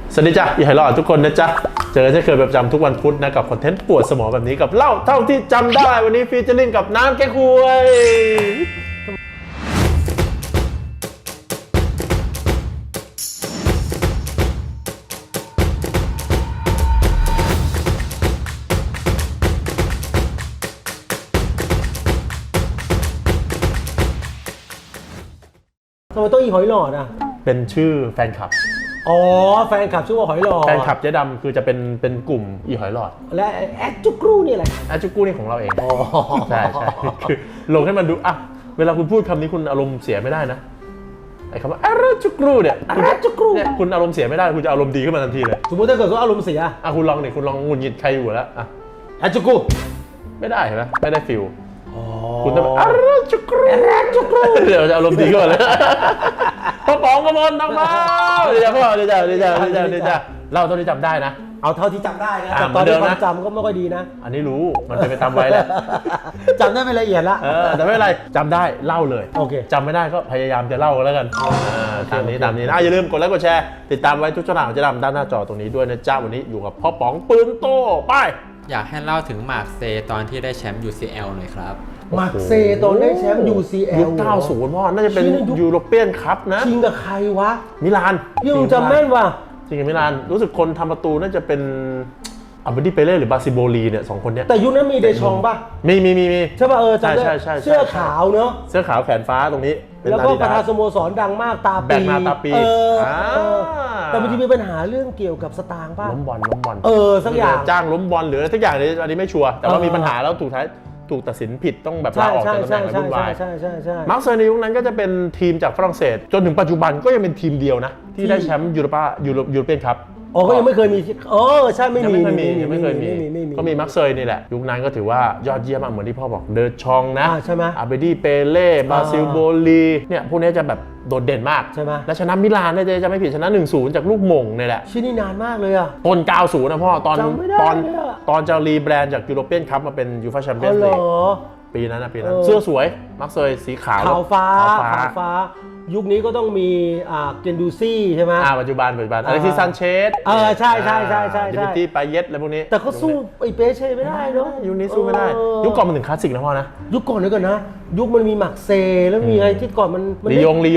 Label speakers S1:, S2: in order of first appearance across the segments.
S1: สวัสดีจ้ะอีไฮรอดทุกคนนะจ๊ะเจอกันเช่นเคยประจำทุกวันพุธนะกับคอนเทนต์ปวดสมองแบบนี้กับเล่าเท่าที่จำได้วันนี้ฟีเจอริ่งกับน้ำแก้ควย
S2: ทำไมต้องอีหอยหลอดอ่ะ
S1: เป็นชื่อแฟนคลับ
S2: อ๋อแฟนคลับชื่อว่าหอยหลอด
S1: แฟนคลับเจ๊ดำคือจะเป็นกลุ่มอีหอยหลอด
S2: และแอดจุกรูนี่แหละ
S1: แอดจุกรูนี่ของเราเองใช่คือลงให้มันดูอ่ะเวลาคุณพูดคำนี้คุณอารมณ์เสียไม่ได้นะไอ้คำว่าแอดจุกรูเนี่ยคุณอารมณ์เสียไม่ได้คุณจะอารมณ์ดีขึ้นมาทันทีเลย
S2: สมมติถ้าเกิดเขาอารมณ์เสีย
S1: อ่ะคุณลองหงุดหงิดใครอยู่แล้วอ่ะ
S2: แอดจุกรู
S1: ไม่ได้เห็นไหมไม่ได้ฟิลคุณต้องแบบแอดจุกรูเดี๋ยวจะอารมณ์ดีขึ้นมาเลยพ่อป๋องกระมวลน้องมาเดี๋ยวพ่อเดี๋ยวเล่าตอนที่จำได้นะ
S2: เอาเท่าที่จำได้นะแต่ตอนนี้ความจำก็ไม่ค่อยดีนะ
S1: อันนี้รู้มันเป็นไปตามไว้แหละ
S2: จำได้ไม่ละเอียดละ
S1: แต่ไม่เป็นไรจำได้เล่าเลย
S2: โอเค
S1: จำไม่ได้ก็พยายามจะเล่าแล้วกันตามนี้นะอย่าลืมกดไลค์กดแชร์ติดตามไว้ทุกช่องทางของเจ๊ดำด้านหน้าจอตรงนี้ด้วยนะจ๊ะวันนี้อยู่กับพ่อป๋องปืนโตไป
S3: อยากให้เล่าถึงมาร์คเซตอนที่ได้แชมป์ UCL หน่อยครับ
S2: มาร์คเซตอนได้แชมป์ UCL
S1: ยุค 90 พ่อน่าจะเป็นยูโรเปียนคัพนะ
S2: จริงกับใครวะ
S1: มิลาน
S2: พี่ลุงจำแม่นว่ะ
S1: จริงกับมิลานรู้สึกคนทำประตูน่าจะเป็นอัลเบร์ตี้เปเล่หรือบาซิโบลีเนี่ย2คนเนี้ย
S2: แต่ยุคนั้นมีเดชองป่ะ
S1: มี
S2: ใช่ป่ะจำได้เสื้อขาวเนอะ
S1: เสื้อขาวแขนฟ้าตรงนี้
S2: แล้วก็ประธานสโมสรดังมากตาปีแต่มันจะมีปัญหาเรื่องเกี่ยวกับสตางค์ป่ะ
S1: ล้มบอล
S2: สักอย่าง
S1: จ้างล้มบอลหรือสักอย่างอันนี้ไม่ชัวร์แต่ว่ามีปัญหาแล้วถูกตัดสินผิดต้องแบบลาออกจากตำแหน่งวุ่นวายมาร์คเซย์ในยุคนั้นก็จะเป็นทีมจากฝรั่งเศสจนถึงปัจจุบันก็ยังเป็นทีมเดียวนะที่ได้แชมป์ยูโรเปียนคัพ
S2: ก็ยังไม่เคยมีใช่ไม่มี
S1: ไม่เคยมีก็มีมาร์คเซย์นี่แหละยุคนั้นก็ถือว่ายอดเยี่ยมมากเหมือนที่พ่อบอกเดอชองนะ
S2: ใช่ไหม
S1: อาเบดี้เปเล่บาซิลโบลีเนี่ยพวกนี้จะแบบโดดเด่นมาก
S2: ใช่ไหม
S1: และชนะมิลานเนี่ยจะไม่ผิดชนะ 1-0 จากลูกหม่งนี่แหละ
S2: ชื่อนี่นานมากเลยอะ
S1: ต้น 90 นะพ่อตอนจะรีแบรนด์จากยูโรเปียนคัพมาเป็นยูฟ่าแชมเปี้ยนส์ลีกปีนั้นเสื้อสวยมาร์คเซย์สีขาว
S2: ฟ้ายุคนี้ก็ต้องมีเกนดูซี่ใช่ไหม
S1: ปัจจุบันอเล็กซิสซานเชส
S2: ใช่
S1: ดิมิทรีปาเยตอะไรพวกนี้
S2: แต่เขาสู้ไอ้เปเช่ไม่ได้เนาะ
S1: ยุคนี้สู้ไม่ได้ยุคก่อนมันถึงคลาสสิกนะพ่อนะ
S2: ยุคก่อนนี่ก่อนนะยุคมันมีมักเซแล้วมีอะไรที่ก่อนมัน
S1: ลียงใช่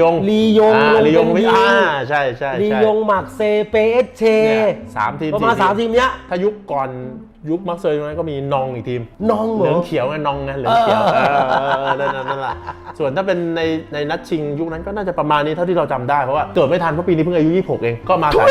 S2: ลียงมักเซเปเช่
S1: 3 ทีม
S2: ประมาณ3 ทีมเนี้ย
S1: ถ้ายุคก่อนยุคมักเซย์นั้นก็มีนองอีกทีม
S2: นองเห
S1: ลืองเขียวไงนองไงเหลืองเขียวนั่นแหละส่วนถ้าเป็นในนัดชิงยุคนั้นก็น่าจะประมาณนี้เท่าที่เราจำได้เพราะว่าเกิดไม่ทันเพราะปีนี้เพิ่งอายุ26เองก็มาสาย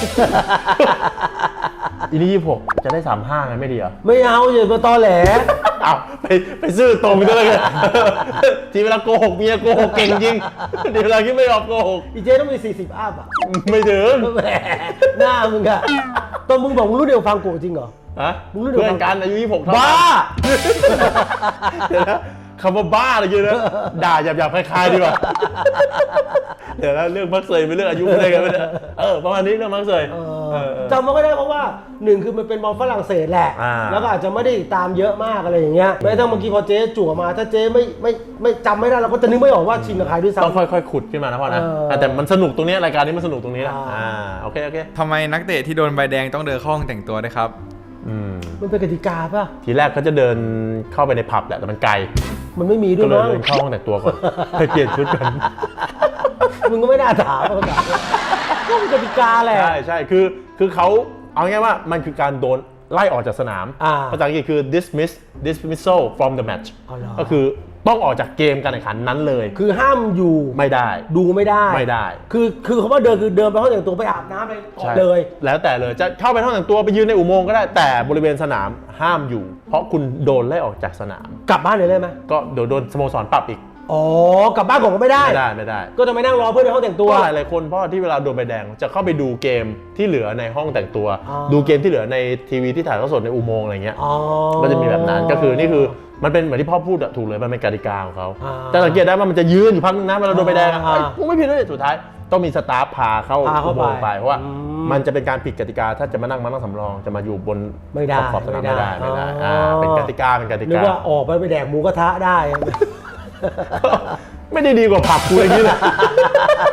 S1: อีนี่26จะได้35ไงไม่ดีเหรอ
S2: ไม่เอาอย่ามาตอแหล
S1: เอาไปซื่อตรงด้วยกันทีเวลาโกหกเมียโกหกเก่งจริงทีเวลาคิดไม่ออกโกหก
S2: อีเจ๊ต้องมี40 อัพอ่ะ
S1: ไม่ถึง
S2: แหมหน้ามึงอะตอนมึงบอกมึงรู้เดียวฟังโกจริงเหรอ
S1: มึงรู้เดียวกันอายุ26
S2: บ้า
S1: เดี๋ยวนะคำว่าบ้าอะไรเยอะนะด่าหยาบๆคล้ายๆดีกว่าเดี๋ยวนะเรื่องมักเซย์เป็นเรื่องอายุอะไรกันไม่ได้ประมาณนี้เรื่องมักเซย์
S2: จำไม่ได้เพราะว่า1คือมันเป็นบอลฝรั่งเศสแหละแล้วก็อาจจะไม่ได้ตามเยอะมากอะไรอย่างเงี้ยแม้ทั้งเมื่อกี้พอเจ๊จั่วมาถ้าเจ๊ไม่จำไม่ได้เราก็จะนึกไม่ออกว่าชิงกับใครด้วยซ้ำ
S1: ต้องค่อยๆขุดขึ้นมานะพ่อนะแต่มันสนุกตรงนี้รายการนี้มันสนุกตรงนี้นะโอเค
S3: ทำไมนักเตะที่โดนใบแดงต้องเดินเข้าห้องแต่งตัวด้วยครับ
S2: มันเป็นกติกาป่ะ
S1: ทีแรกเขาจะเดินเข้าไปในผับแหละแต่มันไกล
S2: มันไม่มีด้วย
S1: มั้งก็เลยเดินเข้าห้องแต่งตัวก่อนไปเปลี่ยนชุดกัน
S2: มึงก็ไม่น่าถามก็เป็นกติกาแหละ
S1: ใช่คือเขาเอาง่ายว่ามันคือการโดนไล่ออกจากสนามภาษาอังกฤษคือ dismissal from the match ก็คือต้องออกจากเกมการแข่งขันนั้นเลย
S2: คือห้ามอยู่
S1: ไม่ได้
S2: ดูไม่ได้คือเขาว่าเดินคือเดินไปห้องแต่งตัวไปอาบน้ำไปเลย
S1: แล้วแต่เลยจะเข้าไปห้องแต่งตัวไปยืนในอุโมงค์ก็ได้แต่บริเวณสนามห้ามอยู่เพราะคุณโดนไล่ออกจากสนาม
S2: กลับบ้านเลยได้ไหม
S1: ก็เดี๋ยวโดนสโมสรปรับอีก
S2: กลับบ้านผมก็ไม่ได้ก็จะไปนั่งรอเพื่อนในห้องแต่งตัว
S1: หลายคนเพราะที่เวลาโดนใบแดงจะเข้าไปดูเกมที่เหลือในห้องแต่งตัวดูเกมที่เหลือในทีวีที่ถ่ายทอดสดในอุโมงค์อะไรเงี้ยก็จะมีแบบนั้นก็คือนี่คือมันเป็นเหมือนที่พ่อพูดถูกเลยมันเป็นกติกาของเขาแต่สังเกตได้ว่ามันจะยืนอยู่พักนึงนะเวลาโดนใบแดงกูไม่ผิดเลยสุดท้ายต้องมีสตาฟพาเข้าอุโมงค์ไปเพราะว่ามันจะเป็นการผิดกติกาถ้าจะมานั่งสำรองจะมาอยู่บนขอบสนามไม่ได้เป็นกติกา
S2: นึกว่าออกไปแดกหมูกระทะได้
S1: ไม่ได้ดีกว่าผับกูอย่างนี้เลย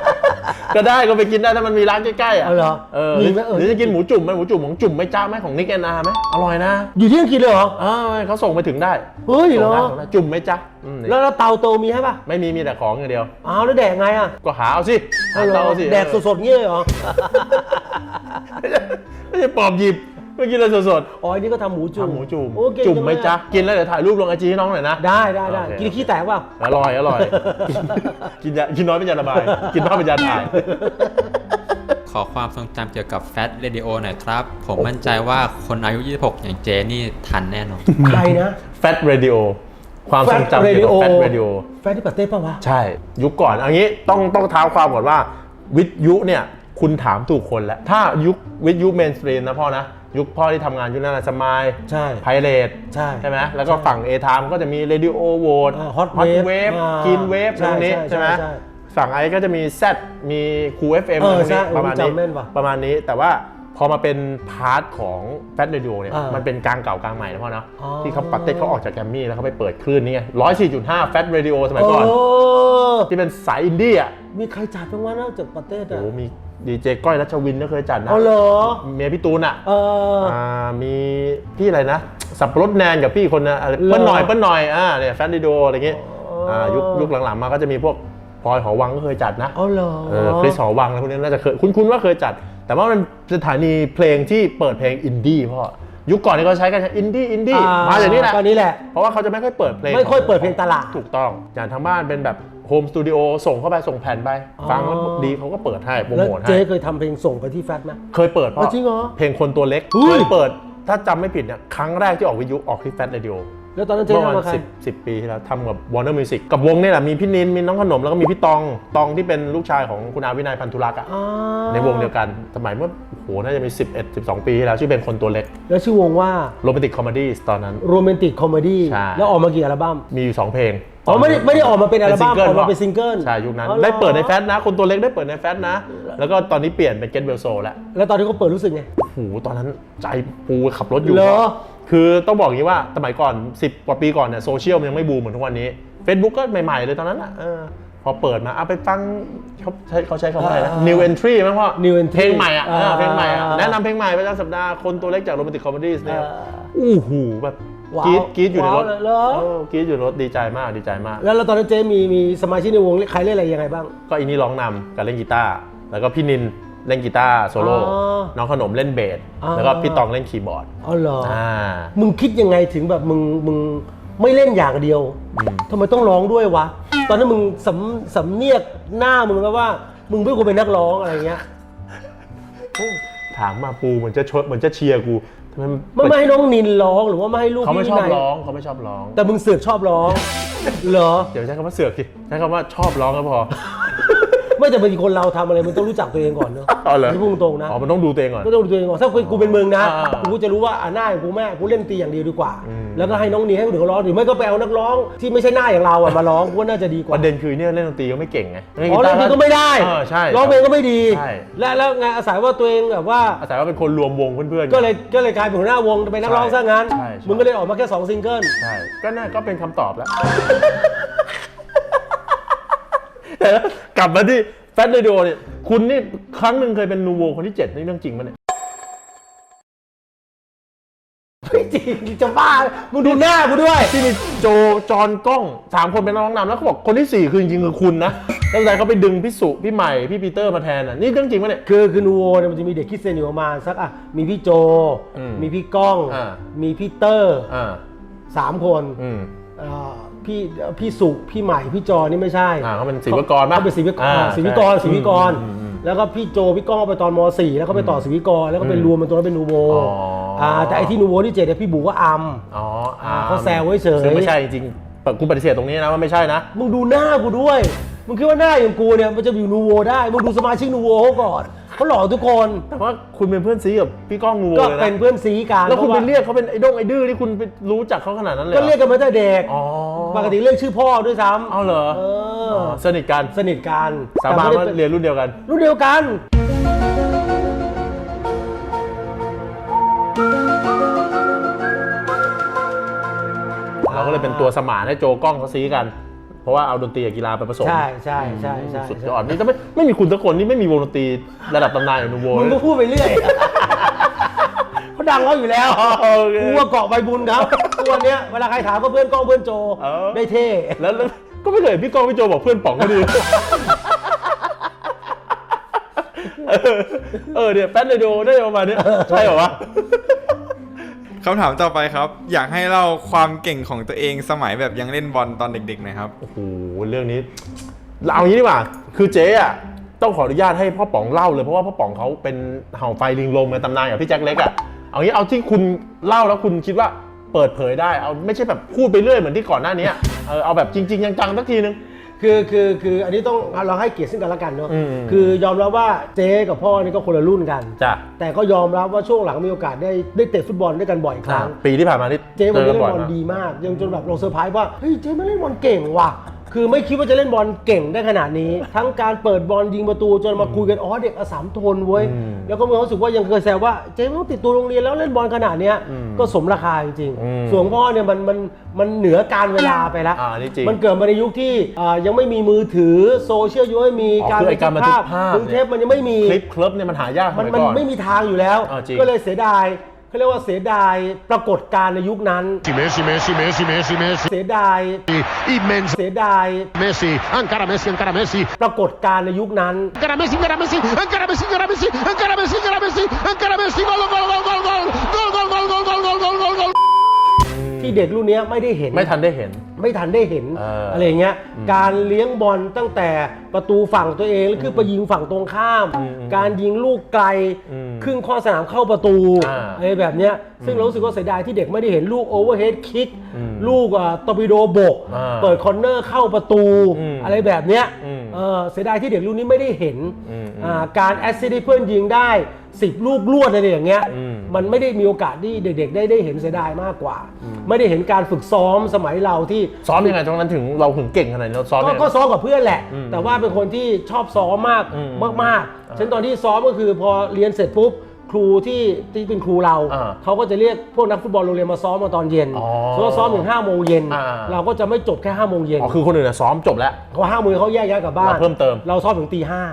S1: ก็ได้ก็ไปกินได้ถ้ามันมีร้านใกล้ๆอ่ะ
S2: เอาเหรอ
S1: ห
S2: มี
S1: รือ
S2: ไหม
S1: หรือจะกินหมูจุ่มไหมหมูจุ่มของจุ่มไม่จ้าไหมของนิกแอนนาไหมอร่อยนะ
S2: อยู่ที่อังกฤษเลยเหรอ
S1: เขาส่งไปถึงได้
S2: เฮ้ยเหรอ
S1: ส่งได้จุ่มไหมจ๊ะนี่
S2: แล้วเตาโตมีให้ป่ะ
S1: ไม่มีแต่ของอย่างเดียว
S2: อ้าวแล้วแดกไงอ่ะ
S1: ก็หาเอาสิหา
S2: เอาเหรอ
S1: เตาสิ
S2: แดกสดๆเงี้ยเลยเหรอ
S1: ไม่ใช่ปอบหยิบไม่กินเลยสด
S2: อ๋ออันนี้ก็ทำหมู
S1: ๆ
S2: จุ่ม
S1: ทำหมูจุ่ม
S2: โอเค
S1: จุ่มไหมจ๊ะกินแล้วเดี๋ยวถ่ายรูปลงไอจีให้น้องหน่อยนะ
S2: ได้
S1: โอเค
S2: กินขี้แตกเปล่า
S1: อร่อยกินน้อยเป็นยาระบาย กินมากเป็นยาถ่าย
S3: ขอความทรงจำเกี่ยวกับแฟตเรดิโอหน่อยครับ ผมมั่นใจว่าคนอายุ 26 อย่างเจนี่ทันแน่นอน
S2: ใครนะ
S1: แฟตเรดิโอความทรงจำเกี่ยวกับแฟตเรดิโอ
S2: แฟตที่ปาเต้ป่าวะ
S1: ใช่ยุคก่อนเอันนี้ต้องเท้าความก่อนว่าวิทยุเนี่ยคุณถามถูกคนแล้ว ถ้ายุควิทยุเมนสตรีมนะพ่อนะยุคพ่อที่ทำงานยุคนั้นสมาย
S2: ใช่
S1: ไพเรต
S2: ใช่
S1: ไหมแล้วก็ฝั่ง A ไทม์ก็จะมี Radio v o t
S2: ฮอต
S1: เวฟกินเวฟตรงนี้ใช่ไหมฝั่งไอก็จะมี Z มีคู FM ตรง
S2: ใช่
S1: นี้ประมาณนี้
S2: จำแม่นว่ะ
S1: ประมาณนี้แต่ว่าพอมาเป็นพาร์ทของแฟตเรดิโอเนี่ย
S2: มัน
S1: เป็นกลางเก่ากลางใหม่นะพ่อเนาะ
S2: อ๋อ
S1: ที่เขาปัตเต้เขาออกจากแกรมมี่แล้วเขาไปเปิดคลื่นนี่ไง 104.5 แฟตเรดิโอสมัยก่อน ที่เป็นสายอินดี้อ่ะ
S2: มีใครจัดบ้างวะนอกจากปาเต้
S1: โอ้
S2: อะ
S1: โหมีดีเจก้อยรัชวินก็เคยจัดนะ
S2: เอาเหรอ
S1: เมียพี่ตูนอ่ะ
S2: อ
S1: มีพี่อะไรนะ สับปะรดแนนกับพี่คนนะอะไร
S2: เหรอ
S1: เปิ้ลหน่อยเนี่ยแฟตเรดิโออะไรเงี้ยยุคหลังๆมาก็จะมีพวกพลอยหอวังก็เคยจัดนะ
S2: เอาเหรอ
S1: คริสหอวังอะไรพวกนี้น่าจะเคยคุ้นๆว่าเคยจัด แต่ว่ามันสถานีเพลงที่เปิดเพลงอินดี้พ่อยุคก่อนนี่เขาใช้กันอินดี้มาจากนี้แหละ
S2: ตอนนี้แหละ
S1: เพราะว่าเขาจะไม่ค่อยเปิดเพลง
S2: ไม่ค่อยเปิดเพลงตลาด
S1: ถูกต้องอย่างทางบ้านเป็นแบบโฮมสตูดิโอส่งเข้าไปส่งแผ่นไป ฟังแล้วดีเขาก็เปิดให้โปร
S2: แล้ว
S1: โมทให้
S2: เจ๊เคยทำเพลงส่งไปที่แฟตไหม
S1: เคยเปิดพ่อ
S2: จริงเหรอ
S1: เพลงคนตัวเล็ก
S2: อุ้
S1: เค
S2: ย
S1: ยเปิดถ้าจำไม่ผิดเนี่ยครั้งแรกที่ออกวิทยุออกที่แฟตเรดิโอ
S2: แล้วตอนนั้นเจ๊
S1: เมื่อประ
S2: ทำ
S1: มา
S2: กับใคร
S1: ณ10 ปีที่แล้วทำกับ Warner Music กับวงนี่แหละมีพี่นินมีน้องขนมแล้วก็มีพี่ตองที่เป็นลูกชายของคุณอาวินัยพันธุรักษ์อะ
S2: อ๋อ
S1: ในวงเดียวกันสมัยเมื่อโอ้โหน่าจะมี11-12 ปีที่แล้วชื่อเป็นคนตัวเล็ก
S2: แล้วชื่อวงว่า
S1: โรแมนติกคอมเมดี้ตอนนั้น
S2: โรแมนติกคอมเมดี้
S1: ใช่
S2: แล้วออกมากี่อัลบั้ม
S1: มีอยู่2เพลง
S2: อ๋อไม่ได้ออกมาเป็นอัลบั้มออกมาเป็นซิงเกิล
S1: ใช่ยุคนั้น
S2: อ๋อเหรอ
S1: ได้เปิดในแฟตนะ คนตัวเล็กได้เปิดในแฟตนะ แล้วก็ตอนนี้เปลี่ยนเป็นเกตเวลโซแล้ว
S2: แล้วตอนที่เขาเปิดรู้สึกไง
S1: โอ้โหตอนนั้นใจปูขับรถอยู่
S2: เหรอ
S1: คือต้องบอกอย่างนี้ว่าสมัยก่อน 10 กว่าปีก่อนเนี่ยโซเชียลมันยังไม่บูมเหมือนทุกวันนี้ Facebook ก็ใหม่ๆเลยตอนนั้นอ่ะพอเปิดมาเอาไปฟังเขาใช้คำว่าอะไรนะ New Entry มั้งพ่อ
S2: New Entry
S1: เพลงใหม่อ่ะ เพลงใหม่อ่ะ
S2: อ่า
S1: แนะนำเพลงใหม่ประจำสัปดาห์คนตัวเล็กจากโรแมนติกคอมเมดี้เนี่ย
S2: อ่า
S1: อู้หูแบบ
S2: ว้าว
S1: กรี๊ดอยู่ในรถ
S2: ว้าวเลยเหรอ
S1: กรี๊ดอยู่ในรถดีใจมากดีใจมาก
S2: แล้วตอนนั้นเจ๊มีสมาชิกในวงใครเล่นอะไรยังไงบ้าง
S1: ก็อินนี่ร้องนำกับเล่นกีตาร์แล้วก็พี่นินเล่นกีตาร์โซโล่
S2: อ๋อ
S1: น้องขนมเล่นเบส
S2: อ๋อ
S1: แล้วก็พี่ตองเล่นคีย์บอร์ด
S2: อ๋อเหรอ
S1: อ่า
S2: มึงคิดยังไงถึงแบบมึงไม่เล่นอย่างเดียวทำไมต้องร้องด้วยวะ ตอนนั้นมึงสำเนียกหน้ามึงแบบว่า มึงไม่ควรเป็นนักร้องอะไรเงี้ย
S1: ถามมาปูเหมือนจะเหมือนจะเชียร์กูทำไม
S2: ไม่ให้น้องนินร้องหรือว่าไม่ให้ลูก
S1: เขาไม่
S2: พี่
S1: ชอบ
S2: วินัย
S1: ร้องเขาไม่ชอบร้อง
S2: แต่มึงเสือกชอบร้อง เหรอ
S1: เดี๋ยวใช้คำว่าเสือกสิใช้คำว่าชอบร้องก็พอ
S2: ไม่แต่บางทีคนเราทำอะไรมึงต้องรู้จักตัวเองก่อนเนอะ
S1: อ๋อเหรอ
S2: นี่พูดตรงๆนะ
S1: อ๋อมันต้องดูตัวเองก่อน
S2: ก็ต้องดูตัวเองก่อนถ้ากูเป็นมึงนะ
S1: อ่า
S2: กูจะรู้ว่าหน้าอย่างกูแม่กูเล่นตีอย่างเดียวดีกว่า
S1: อืม
S2: แล้วก็ให้น้องนีให้คนอื่นเขาร้องหรือไม่ก็ไปเอานักร้องที่ไม่ใช่หน้าอย่างเราอะมาร้องกูว่าน่าจะดีก
S1: ป
S2: ว่า
S1: ระเด็นคือเนี่ยเล่นดนตรีก็ไม่เก่งไง
S2: อ๋อเล่นเพลงก็ไม่ได้
S1: ใช่
S2: ร้องเพลงก็ไม่ดี
S1: ใช่
S2: แล้วไงอาศัยว่าตัวเองแบบว่า
S1: อาศัยว่าเป็นคนรวมวงเพื่อนๆ
S2: ก็เลยกลายเป็นหัวหน้าวงเป็นนักร้องซะงั้น
S1: ใช่
S2: มึงก็เลยออกมาแค่2ซิงเกิล
S1: ใช่ก็น่าก็เป็นคำตอบแล้ว แต่กลับมาที่แฟตเรดิโอเนี่ยคุณนี่ครั้งหนึ่งเคยเป็นนูโวคนที่ 7 นี่เรื่องจริงปะเนี่ย
S2: ไม่จริงจะบ้ามึงดูหน้ากูด้วย
S1: ที่มีโจจอนกล้อง3 คนเป็นนักร้องนำแล้วเขาบอกคนที่ 4 คือจริงๆคือคุณนะแล้วแต่เขาไปดึงพี่สุพี่ใหม่พี่ปีเตอร์มาแทนอ่ะนี่เรื่องจริงปะเนี่ย
S2: คือนูโวเนี่ยมันจะมีเด็กคิดเซนอยู่ประมาณสักมีพี่โจ
S1: อืม
S2: มีพี่ก้อง
S1: อ่า
S2: มีพี่เตอร์
S1: อ่า
S2: 3 คน
S1: อืม
S2: พี่สุพี่ใหม่พี่จอนี่ไม่ใช่
S1: เขาเป็นศิลปากรปะ
S2: เขาเป็นศิลปากร
S1: อ่า
S2: ศิลปากร
S1: ใช่
S2: ศิลปากร
S1: อืม
S2: แล้วก็พี่โจพี่ก้องไปตอนม .4 แล้วก็ไปต่อศิลปากรแล้วก็เป็นรวมเป็นตัวนั้นเป็นนูโว
S1: อ๋อ
S2: แต่ไอที่นูโวที่7เนี่ยพี่บูก็อัม
S1: อ๋อ
S2: เขาแซวไว้เฉย
S1: ซึ่งไม่ใช่จริงๆกูปฏิเสธตรงนี้นะว่าไม่ใช่นะ
S2: มึงดูหน้ากูด้วย มึงคิดว่าหน้าอย่างกูเนี่ยมันจะอยู่นูโวได้ มึงดูสมาชิกนูโวเขาก่อนเขาหล่อทุกคน
S1: แต่ว่าคุณเป็นเพื่อนซีกับพี่ก้องนูโว
S2: ก็
S1: เลย
S2: เป็น
S1: นะ
S2: เพื่อนซีกัน
S1: แล้วคุณ
S2: พ
S1: ไป
S2: ราะา
S1: เรียกเขาเป็นไอ้ด้งไอ้ดื้อที่คุณไปรู้จักเขาขนาดนั้นเลยห
S2: ก็
S1: อ
S2: เรียกกันมาตั้งแต่เด็ก
S1: อ๋อ
S2: ปกติเรียกชื่อพ่อด้วยซ้ำ
S1: เอาเหรอ
S2: เออ
S1: สนิทกัน
S2: สนิทกัน
S1: สาบาน
S2: แต่
S1: ว่า
S2: ไม่ได้
S1: เรียนรุ่นเดียวกัน
S2: รุ่นเดียวกัน
S1: เราก็เลยเป็นตัวสมานให้โจกล้องเขาซีกันเพราะว่าเอาดนตรีกับกีฬาไปผสม
S2: ใช่
S1: สุดยอดนี่ถ้าไม่มีคุณสักคนนี่ไม่มีวงดนตรีระดับตำนานอย่างนูโว
S2: มึงก็พูดไปเรื่อยเขาดังเขาอยู่แล้วกูว่าเกาะใบบุญครับทุกวันเนี้ยเวลาใครถามก็เพื่อนก้องเพื่อนโจได้เท่
S1: แล้วก็ไม่เคยพี่ก้องพี่โจบอกเพื่อนป๋องก็ดีเนี่ยแป๊ดเลยโดได้ประมาณนี้ใช่เหรอวะ
S4: คำถามต่อไปครับอยากให้เล่าความเก่งของตัวเองสมัยแบบยังเล่นบอลตอนเด็กๆหน่อยครับ
S1: โอ้โหเรื่องนี้เอางี้ดีกว่าคือเจ๊อะต้องขออนุญาตให้พ่อป๋องเล่าเลยเพราะว่าพ่อป๋องเขาเป็นเห่าไฟลิงลมในตำนานกับพี่แจ็คเล็กอะเอางี้เอาที่คุณเล่าแล้วคุณคิดว่าเปิดเผยได้เอาไม่ใช่แบบพูดไปเรื่อยเหมือนที่ก่อนหน้านี้เอาแบบจริงๆจังๆสักทีนึง
S2: คืออันนี้ต้องเราให้เกียรติซึ่งกันและกันเนาะคือยอมรับว่าเจ๊กับพ่อนี่ก็คนละรุ่นกัน
S1: จ้ะ
S2: แต่ก็ยอมรับว่าช่วงหลังมีโอกาสได้เตะฟุตบอลด้วยกันบ่อยครั้ง
S1: ปีที่ผ่านมานี่
S2: เจ๊มันเล่นบอลดีมากยังจนแบบเราเซอร์ไพรส์ว่าเฮ้ยเจ๊มันเล่นบอลเก่งว่ะคือไม่คิดว่าจะเล่นบอลเก่งได้ขนาดนี้ทั้งการเปิดบอลยิงประตูจนมาคุยกันเด็กสามทนเว้ยแล้วก็มีความรู้สึกว่ายังเคยแซวว่าเจ๊ไม่ต้องติดตัวโรงเรียนแล้วเล่นบอลขนาดเนี้ยก็สมราคาจริงๆส่วนพ่อเนี่ยมันเหนือการเวลาไปแล้วมันเกิดมาในยุคที่ยังไม่มีมือถือโซเชียลยังไม่มีการบันทึกภาพเทปมันยังไม่มี
S1: คลิปเนี่ยมันหายาก
S2: มันไม่มีทางอยู่แล้วก็เลยเสียดายเขาเรียกว่าเสียดายปรากฏการณ์ในยุคนั้นเสียดายเสียดายปรากฏการณ์ในยุคนั้นที่เด็กรุ่นนี้ไม่ได้เห็น
S1: ไม่ทันได้เห็น
S2: อะไรเงี้ยการเลี้ยงบอลตั้งแต่ประตูฝั่งตัวเองแล้วคือไปยิงฝั่งตรงข้ามการยิงลูกไกลครึ่งข้อสนามเข้าประตูอะไรแบบเนี้ยซึ่งเรารู้สึกว่าเสียดายที่เด็กไม่ได้เห็นลูกโอเวอร์เฮดคิกลูกตอร์ปิโดบกเปิดคอร์เนอร์เข้าประตูอะไรแบบเนี้ยเสียดายที่เด็กรุ่นนี้ไม่ได้เห็นการแอสซิสต์ให้เพื่อนยิงได้10 ลูกรวดอะไรอย่างเงี้ยมันไม่ได้มีโอกาสที่เด็กๆได้เห็นเสียดายมากกว่าไม่ได้เห็นการฝึกซ้อมสมัยเราที่
S1: ซ้อมยังไงตรงนั้นถึงเราถึงเก่งขนาดนี้เราซ้อม
S2: ก็ซ้อมกับเพื่อนแหละแต่ว่าเป็นคนที่ชอบซ้อมมากฉันตอนที่ซ้อมก็คือพอเรียนเสร็จปุ๊บครูที่เป็นครูเราเขาก็จะเรียกพวกนักฟุตบอลโรงเรียนมาซ้อมมาตอนเย็นซ้อมถึง5 โมงเย็นเราก็จะไม่จบแค่5 โมงเย็น
S1: คือคนอื่นซ้อมจบแล้ว
S2: เขา5 โมงเขาแยกย้ายกลับบ้าน
S1: เพิ่มเติม
S2: เราซ้อมถึงตี 5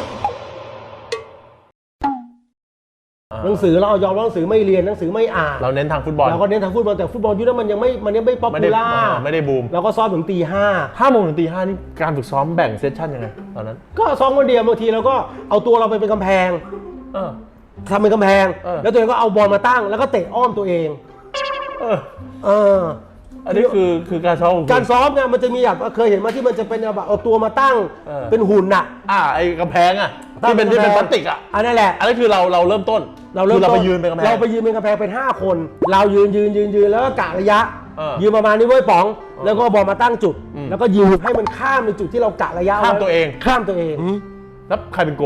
S2: หนังสือเรายอมหนังสือไม่เรียนหนังสือไม่อ่าน
S1: เราเน้นทางฟุตบอล
S2: เราก็เน้นทางฟุตบอลแต่ฟุตบอลยุคนั้นมันยังไม่ป๊อปปูล่า
S1: ไม่ได้บูม
S2: เราก็ซ้อมถึงตี
S1: 5 โมงถึงตี 5นี่การฝึกซ้อมแบ่งเซสชั่นยังไงตอนนั้น
S2: ก็ซ้อมคนเดียวบางทีเราก็เอาตัวเราไปเป็นกำแพงทำเป็นกำแพงแล้วตัวเองก็เอาบอลมาตั้งแล้วก็เตะอ้อมตัวเอง
S1: อันนี้คือการซ้อ
S2: มไงมันจะมีแบบเคยเห็นมาที่มันจะเป็นแบบเอาตัวมาตั้งเป็นหุ่นน่ะ
S1: ไอ้กำแพงที่เป็นพลาสติก
S2: อันนั้นแหละ
S1: อันนี้คือเราเริ่มต้นเราไปยืนเป็นกำแพง
S2: เราไปยืนเป็นกำแพงเป็น5 คนเรายืนแล้วก็กะระยะยืนประมาณนี้เว้ยป๋องแล้วก็บอลมาตั้งจุดแล้วก็ยิงให้มันข้ามในจุดที่เรากะระยะ
S1: ข้ามตัวเองแล้วใครเป็นโก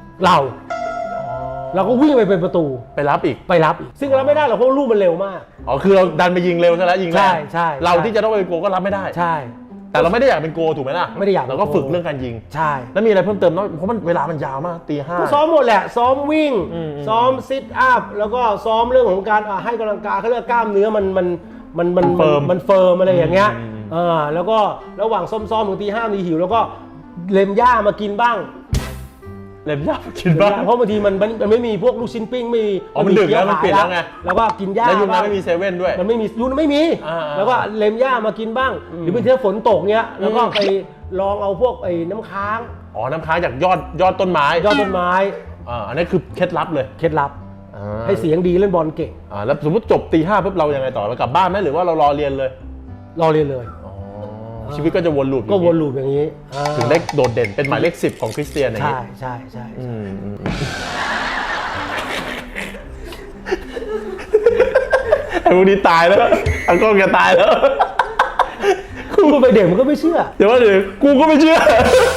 S2: เราก็วิ่งไปเป็นประตู
S1: ไปรับอีก
S2: ซึ่งเราไม่ได้หรอกเพราะลูกมันเร็วมาก
S1: คือเราดันไปยิงเร็วซะแล้วยิงแรง
S2: ใช่
S1: เราที่จะต้องเป็นโกก็รับไม่ได้
S2: ใช่
S1: แต่เราไม่ได้อยากเป็นโกถูกไหมล่ะ
S2: ไม่ได้อยาก
S1: เราก็ฝึกเรื่องการยิง
S2: ใช่
S1: แล้วมีอะไรเพิ่มเติมเพราะมันเวลามันยาวมากตี 5
S2: ก็ซ้อมหมดแหละซ้อมวิ่งซ้อมซิทอัพแล้วก็ซ้อมเรื่องของการให้กำลังกายเขาเรียกกล้ามเนื้อมันเฟิร์มอะไรอย่างเงี้ยแล้วก็ระหว่างซ้อมถึงตี 5มีหิวแล้วก็เล็มหญ้ามากินบ้าง
S1: เล็มหญ้ากินบ้าง
S2: เพราะบางทีมันไม่มีพวกลูกชิ้นปิ้ง
S1: มันดึกแล้วมันเปลี่ยนแล้วไง
S2: แล้วก็กินหญ้า
S1: แล้วยุคนั้นไม่มีเซเว่นด้วย
S2: มันไม่มียุคนั้นไม่มีแล้วก็เล็มหญ้ามากินบ้างหรือบางทีฝนตกเนี้ยแล้วก็ไปลองเอาพวกไอ้น้ำค้าง
S1: น้ำค้างจากยอดต้นไม้อันนี้คือเคล็ดลับเลย
S2: เคล็ดลับให้เสียงดีเล่นบอลเก่ง
S1: แล้วสมมติจบตี 5ปุ๊บเรายังไงต่อเรากลับบ้านไหมหรือว่าเรารอเรียนเลยชีวิตก็จะวนลูป
S2: อย่างนี้
S1: ถึงได้โดดเด่นเป็นหมายเลข10ของคริสเตียนอย่างนี้
S2: ใช่
S1: ไอ้พวกนี้ตายแล้วอังกฤษตายแล้ว
S2: กูไปเด็กมันก็ไม่เชื่อ
S1: เดี๋ยวกูก็ไม่เชื่อ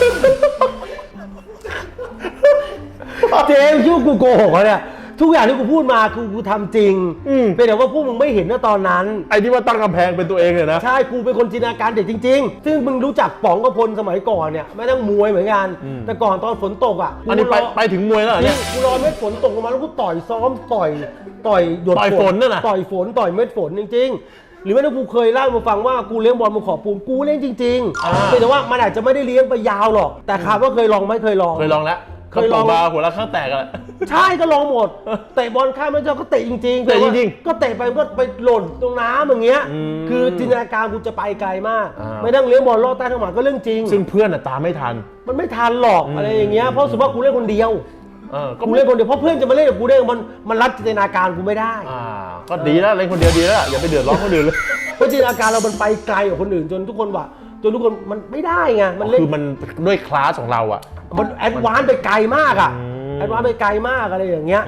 S2: เจมส์คิดว่ากูโกหกเขาเนี่ยทุกอย่างที่กูพูดมาคือกูทำจริงเป็นแต่ว่าพวกมึงไม่เห็นนะตอนนั้น
S1: ไอ้ที่ว่าตั้งกำแพงเป็นตัวเองเลยนะ
S2: ใช่กูเป็นคนจินตนาการเด็กจริงๆซึ่งมึงรู้จักป๋องกพลสมัยก่อนเนี่ยแม้ทั้งมวยเหมือนกันแต่ก่อนตอนฝนตก
S1: อันนี้ไปถึงมวยแล้วเนี่ย
S2: กูรอเม็ดฝนตกลงมาแล้วกูต่อยซ้อมต่อยหยด
S1: ฝนนั่นน่ะ
S2: ต่อยเม็ดฝนจริงๆหรือแม้แต่กูเคยเล่ามาฟังว่ากูเลี้ยงบอลมาขอบปูนกูเลี้ยงจริงๆแต่ว่ามันอาจจะไม่ได้เลี้ยงไปยาวหรอกแต่ถามว่าเคยลองไหมเคยลอง
S1: แล้ว
S2: เคยลอง
S1: มาหัวละข้างแตกกัน
S2: ใช่ก็ลองหมดเตะบอลข้ามไม่เจ้าก็เตะจริงๆก็เตะไปก็ไปหล่นตรงน้ำอย่างเงี้ยคือจินตนาการกูจะไปไกลมากไม่นั่งเลี้ยงบอลลอดใต้ท้องหมาก็เรื่องจริง
S1: ซึ่งเพื่อนตามไม่ทัน
S2: มันไม่ทันหรอกอะไรอย่างเงี้ยเพราะสมมติว่ากูเล่นคนเดียวกูเล่นคนเดียวเพราะเพื่อนจะมาเล่นกับกูได้มันรัดจินตนาการกูไม่ได้
S1: ก็ดีแล้วเล่นคนเดียวดีแล้วอย่าไปเดือดร้อนคนอื่นเลย
S2: เพราะจินตนาการเรามันไปไกลกว่าคนอื่นจนทุกคนมันไม่ได้ไงมันเล่น
S1: คือมันด้วยคลาสของเรา
S2: มันแอดวานซ์ไปไกลมากแอดวานซ์ไปไกลมากอะไรอย่างเงี้ย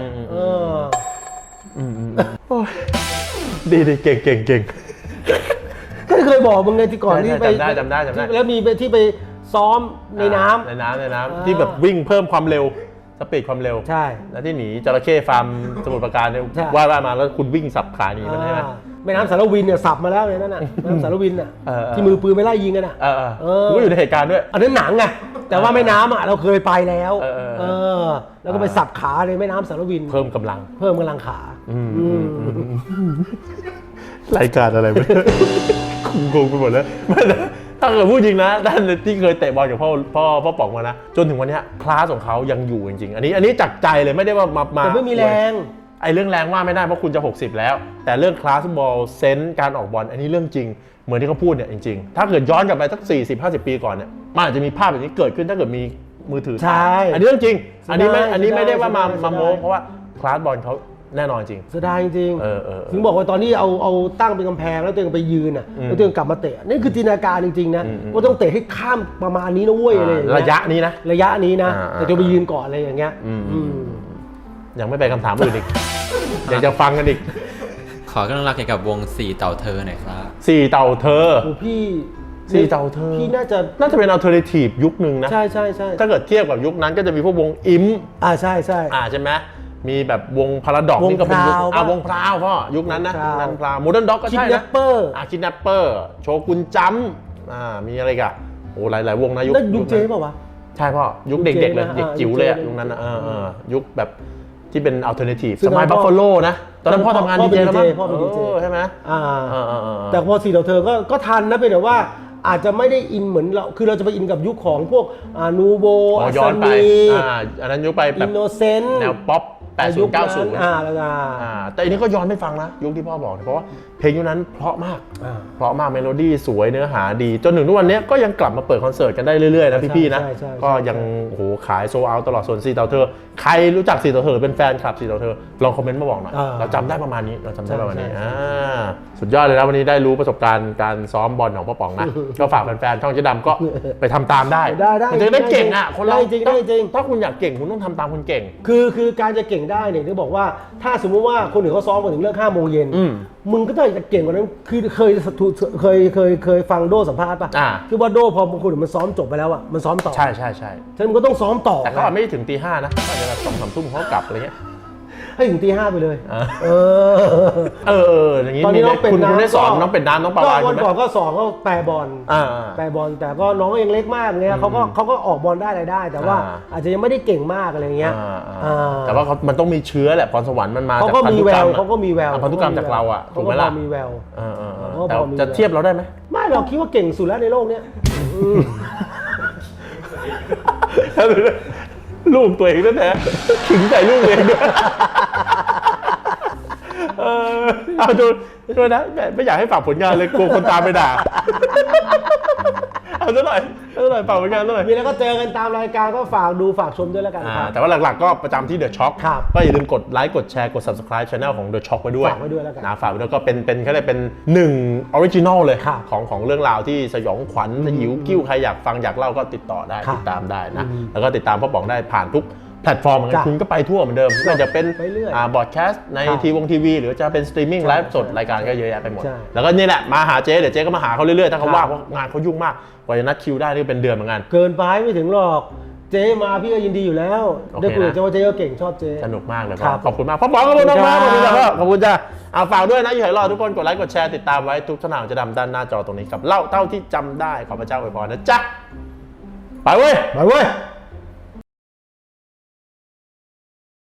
S1: ดีเก่ง
S2: ก็เคยบอกมึงไงที่ก่อนที่ไป
S1: จำได้
S2: แล้วมีที่ไปซ้อมในน้
S1: ำที่แบบวิ่งเพิ่มความเร็วสปีดความเร็ว
S2: ใช่
S1: แล้วที่หนีจระเข้ฟาร์มสมุทรปราการเนี่ยว่ามาแล้วคุณวิ่งสับขาหนีมันใช่ไหม
S2: แม่น้ำสารวินเนี่ยสับมาแล้วเลยนั่นน่ะแม่น้ำสารวินน่ะที่มือปืนไปไล่ยิงกันน่ะ
S1: กูอยู่ในเหตุการณ์ด้วย
S2: อันนั้นหนังไงแต่ว่าแม่น้ำเราเคยไปแล้วแล้วก็ไปสับขาในแม่น้ำสารวิน
S1: เพิ่มกำลัง
S2: ขาร
S1: ายการอะไรไม่งงไปหมดแล้วถ้าเกิดพูดจริงนะท่านที่เคยเตะบอลกับพ่อป๋องมานะจนถึงวันนี้คลาสของเขายังอยู่จริงๆอันนี้จากใจเลยไม่ได้ว่ามา
S2: แต่ไม่มีแรง
S1: ไอ้เรื่องแรงว่าไม่ได้เพราะคุณจะ60แล้วแต่เรื่องคลาสบอลเซนส์การออกบอลอันนี้เรื่องจริงเหมือนที่เขาพูดเนี่ยจริงๆถ้าเกิดย้อนกลับไปสัก40-50 ปีก่อนเนี่ยมันอาจจะมีภาพแบบนี้เกิดขึ้นถ้าเกิดมีมือถือ
S2: ใช่
S1: อันนี้เรื่องจริงอันนี้ไม่ได้ว่ามาโม้เพราะว่าคลาสบอลเขาแน่นอนจริง
S2: เสียดายจริงถึงบอกว่าตอนนี้เอาตั้งเป็นกำแพงแล้วตัวเองไปยืนแล้วตัวเองกลับมาเตะนี่คือจินตนาการจริงๆนะว่าต้องเตะให้ข้ามประมาณนี้นะเว้ยอะไรอย่างเงี้ย
S1: ระยะนี้นะ
S2: แต่จะไปยืนก่อนอะไรอย่างเงี้ย
S1: ยังไม่ไปคำถามอื่นอีกอยากจะฟังกันอีก
S3: ขอเรื่องราวเกี่ยวกับวง4เต่าเธอหน่อยครับ
S1: 4เต่าเธอ
S2: พี่
S1: 4เต่าเธอ
S2: พี่น่าจะ
S1: เป็นอัลเทอร์เนทีฟยุคนึงนะ
S2: ใช่
S1: ถ้าเกิดเทียบกับยุคนั้นก็จะมีพวกวงอิม
S2: ใช่
S1: ใช่ไหมมีแบบวงพาราดอกนี่ก็เป็นยุควงพราวพ่อยุคนั้นนะนั้นพราวโมเดิร์นด็อกก็ใช่นะคิดแนปเปอร์โชกุนจัมมีอะไรกันโอ้หลายวงนะ
S2: ยุคเจ๊ป่าววะ
S1: ใช่พ่อยุคเด็กๆเลยเด็กจิ๋วเลยยุคนั้นยุคแบบที่เป็นอัลเทอร์เนทีฟสมัยบัฟฟาโลนะตอนนั้นพ่อทำงานดีเจแล้วมั้ง
S2: พ่อเป็นดีเจ
S1: ใช่ไหม
S2: แต่พอ4เต่าเธอก็ทันนะเป็นแต่ว่าอาจจะไม่ได้อินเหมือนเราคือเราจะไปอินกับยุคของพวกนูโบ
S1: ย้อนไปอันนั้นยุคไปแบบ
S2: อินโนเซนต์
S1: แนวป๊อป80-90
S2: แล้ว
S1: แต่อันนี้ก็ย้อนไม่ฟังนะยุคที่พ่อบอกเพราะว่าเพลงยุคนั้นเพราะมากเมโลดี้สวยเนื้อหาดีจนถึงทุกวันนี้ก็ยังกลับมาเปิดคอนเสิร์ตกันได้เรื่อยๆนะพี่ๆนะก็ยังโอ้โหขายโซลเอาท์ตลอดส่วน4เต่าเธอใครรู้จัก4เต่าเธอเป็นแฟนคลับ4เต่าเธอลองคอมเมนต์มาบอกหน่อยเราจำได้ประมาณนี้สุดยอดเลยนะวันนี้ได้รู้ประสบการณ์การซ้อมบอลของพ่อป๋องนะก็ฝากแฟนๆช่องเจ๊ดำก็ไปทำตามได้มันจะได้เก่งอ่ะคนเรา
S2: จริง
S1: ถ้าคุณอยากเก่งคุณต้องทำตามคนเก่ง
S2: คือการจะเก่งได้เนี่ยที่บอกว่าถ้าสมมุติว่าคนอื่นเขาซ้อมกันถึงเรื่อง5 โมงเย็นมึงก็ต้องจะเก่งกว่านั้นคือเคยฟังโดสัมภาษณ์ป่ะคือว่าโดพอบางคนมันซ้อมจบไปแล้วอ่ะมันซ้อมต่อ
S1: ใช่
S2: ฉะนั้นมันก็ต้องซ้อมต่อ
S1: แต่เขาไม่ถึงตี 5นะอาจจะแบบ2-3 ทุ่มเขากลับอะไรเงี้ย
S2: ให้ถึงตี 5ไปเลย
S1: อย่างนี้ตอนนี้คุณได้สอนน้องเป็นน้ำน้องปลาวาน
S2: วันก่อนก็สอนก็แปรบอลแต่ก็น้องยังเล็กมากเนี่ยเขาก็ออกบอลได้อะไรได้แต่ว่าอาจจะยังไม่ได้เก่งมากอะไรเงี้ย
S1: แต่ว่ามันต้องมีเชื้อแหละพรสวรรค์มันมาจากพันธุกรรมพันธุกรรมจากเราอ่ะถูกไหมล่ะ
S2: มีแวว
S1: แต่จะเทียบเราได้ไหม
S2: ไม่เราคิดว่าเก่งสุดแล้วในโลกเนี้ย
S1: ลูกตัวเองแท้ๆขิงใส่ลูกเองด้วยเอาดูนะไม่อยากให้ฝากผลงานเลยกลัวคนตามไปด่าเอาซะหน่อยฝากผลงานซะหน่อย
S2: มีแล้วก็เจอกันตามรายการก็ฝากดูฝากชมด้วยแล้วกัน
S1: แต่ว่าหลักๆก็ประจำที่ The Shock ก็อย่าลืมกดไลค์กดแชร์กด Subscribe Channel ของ The Shock ไว้ด้วย
S2: ฝากไว้ด้วยแล้วกัน
S1: ฝากไว้ด้วยก็เป็นแค่เป็น1 Original เลยของเรื่องราวที่สยองขวัญสยิวกิ้วใครอยากฟังอยากเล่าก็ติดต่อได้ติดตามได้นะแล้วก็ติดตามพ่อป๋องได้ผ่านทุกแพลตฟอร์มเหมือนกันคุณก็ไปทั่วเหมือนเดิมไม่ว่าจะเป็นบอดแคสต์ในทีวีหรือจะเป็นสตรีมมิ่งไลฟ์สดรายการก็เยอะแยะไปหมดแล้วก็นี่แหละมาหาเจ๊เดี๋ยวเจ๊ก็มาหาเขาเรื่อยๆถ้าเขาว่างเพราะงานเขายุ่งมากกว่าจะนัดคิวได้นี่เป็นเดือนเหมือนกัน
S2: เกินไปไม่ถึงหรอกเจ๊มาพี่ก็ยินดีอยู่แล้วได้คุยกับเจ๊ว่าเจ๊ก็เก่งชอบเจ๊
S1: สนุกมากเลยขอบคุณมากพ่อป๋องขอบคุณมากขอบคุณจ้าขอบคุณจ้าเอาฝากด้วยนะอยู่ไหนรอทุกคนกดไลค์กดแชร์ติดตามไว้ทุกช่องทางจะดำด้านหน้าจอตรงนี้กับเล่าเท่าที่จำได้ขอพระเจ้าอวยพรนะจ๊ะไปเว้ย